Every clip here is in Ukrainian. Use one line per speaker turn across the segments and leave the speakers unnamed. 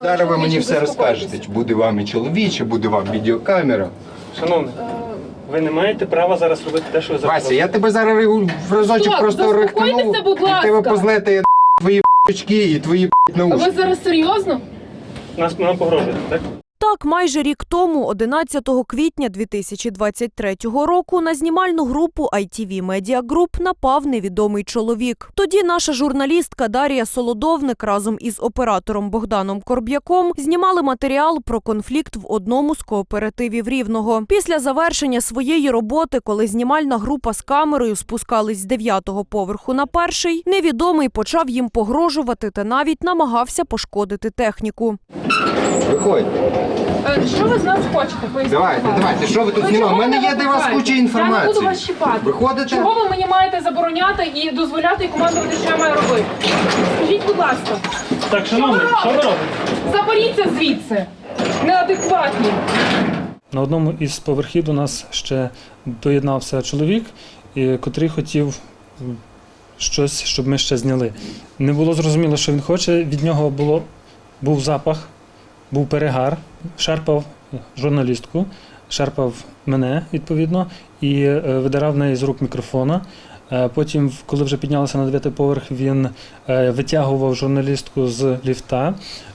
Зараз ви мені все розкажете, чи буде вам і чоловік, чи буде вам відеокамера.
Шановний, ви не маєте права зараз робити те, що ви зараз
Вася, я тебе зараз в разочок просто рихтанув,
заспокойтеся, будь
і тебе
ласка.
позлетає твої очки і твої
А
наушники.
ви зараз серйозно?
нам погрожуєте, так?
Так, майже рік тому, 11 квітня 2023 року, на знімальну групу ITV Media Group напав невідомий чоловік. Тоді наша журналістка Дар'я Солодовник разом із оператором Богданом Корб'яком знімали матеріал про конфлікт в одному з кооперативів Рівного. Після завершення своєї роботи, коли знімальна група з камерою спускались з 9-го поверху на 1-й, невідомий почав їм погрожувати та навіть намагався пошкодити техніку.
Виходь.
Що ви з нас хочете? Поясніть,
Давайте,
будь ласка.
давайте, що ви тут
Ви
знімали? У
чого
мене
мене
є для вас
викликаєте?
куча інформації.
Я не буду вас чіпати.
Виходите?
Чого ви мені маєте забороняти і дозволяти і командувати, що я маю робити? Скажіть, будь ласка.
Так, шановний, що ви робите?
Заберіться звідси. Неадекватні.
На одному із поверхів до нас ще доєднався чоловік, котрий хотів щось, щоб ми ще зняли. Не було зрозуміло, що він хоче. Від нього був запах, був перегар, шарпав журналістку, шарпав мене, відповідно, і видирав в неї з рук мікрофона. Потім, коли вже піднялися на 9-й поверх, він витягував журналістку з ліфта.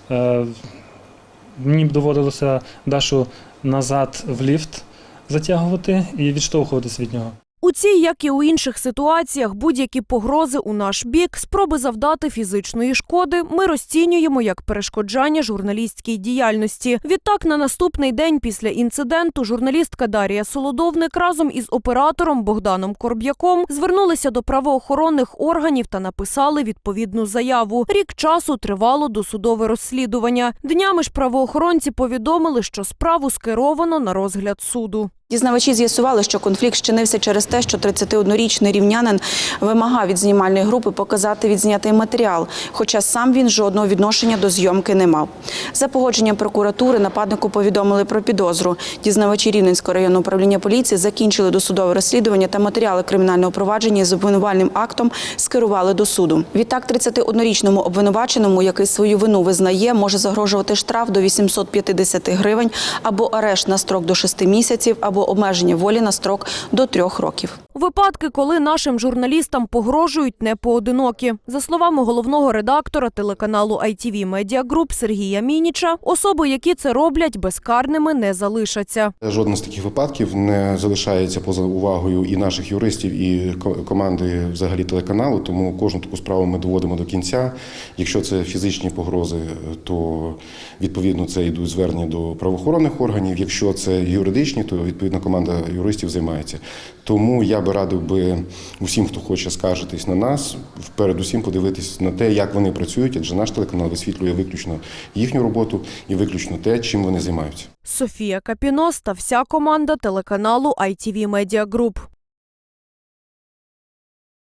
Мені доводилося Дашу назад в ліфт затягувати і відштовхуватись від нього.
У цій, як і у інших ситуаціях, будь-які погрози у наш бік, спроби завдати фізичної шкоди ми розцінюємо як перешкоджання журналістській діяльності. Відтак, на наступний день після інциденту журналістка Дар'я Солодовник разом із оператором Богданом Корб'яком звернулися до правоохоронних органів та написали відповідну заяву. Рік часу тривало досудове розслідування. Днями ж правоохоронці повідомили, що справу скеровано на розгляд суду.
Дізнавачі з'ясували, що конфлікт щинився через те, що 31-річний рівнянин вимагав від знімальної групи показати відзнятий матеріал, хоча сам він жодного відношення до зйомки не мав. За погодженням прокуратури нападнику повідомили про підозру. Дізнавачі Рівненського районного управління поліції закінчили досудове розслідування та матеріали кримінального провадження з обвинувальним актом скерували до суду. Відтак 31-річному обвинуваченому, який свою вину визнає, може загрожувати штраф до 850 гривень або арешт на строк до 6 місяців, або обмеження волі на строк до 3 років.
Випадки, коли нашим журналістам погрожують, не поодинокі. За словами головного редактора телеканалу ITV Media Group Сергія Мініча, особи, які це роблять, безкарними не залишаться.
Жоден з таких випадків не залишається поза увагою і наших юристів, і команди взагалі телеканалу, тому кожну таку справу ми доводимо до кінця. Якщо це фізичні погрози, то відповідно це йдуть звернення до правоохоронних органів. Якщо це юридичні, то відповідно команда юристів займається. Тому я би радив усім, хто хоче скаржитись на нас, передусім подивитись на те, як вони працюють, адже наш телеканал висвітлює виключно їхню роботу і виключно те, чим вони займаються.
Софія Капінос та вся команда телеканалу ITV Media Group.